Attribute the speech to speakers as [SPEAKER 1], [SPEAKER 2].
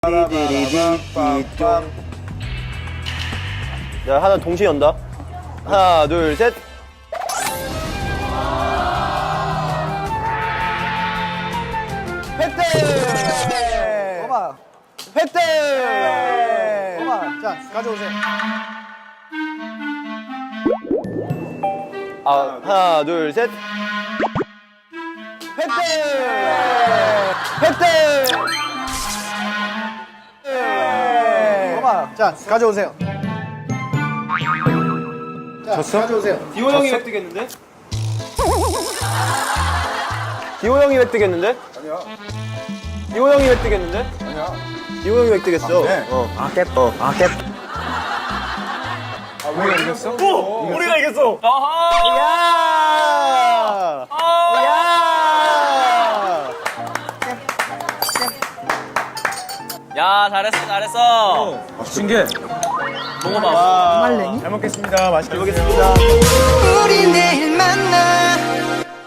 [SPEAKER 1] 자, 하나 동시에 연다. 하나, 둘, 셋. 획득!
[SPEAKER 2] 봐봐.
[SPEAKER 1] 획득!
[SPEAKER 2] 봐봐. 자, 가져오세요.
[SPEAKER 1] 하나, 둘, 셋. 획득! 획득!
[SPEAKER 2] 봐봐. 자, 가져오세요. 자,
[SPEAKER 1] 졌어?
[SPEAKER 2] 가져오세요.
[SPEAKER 1] 디오 형이 획득했는데? 디오 형이 획득했는데?
[SPEAKER 2] 아니야.
[SPEAKER 1] 디오 형이 획득했는데?
[SPEAKER 2] 아니야.
[SPEAKER 1] 디오 형이 획득했어.
[SPEAKER 2] 네. 우리가 이겼어?
[SPEAKER 1] 우리가 이겼어. 야! 야!
[SPEAKER 3] 야, 잘했어, 잘했어.
[SPEAKER 2] 신기해.
[SPEAKER 3] 먹어봐.
[SPEAKER 1] 잘 먹겠습니다. 맛있게 먹겠습니다.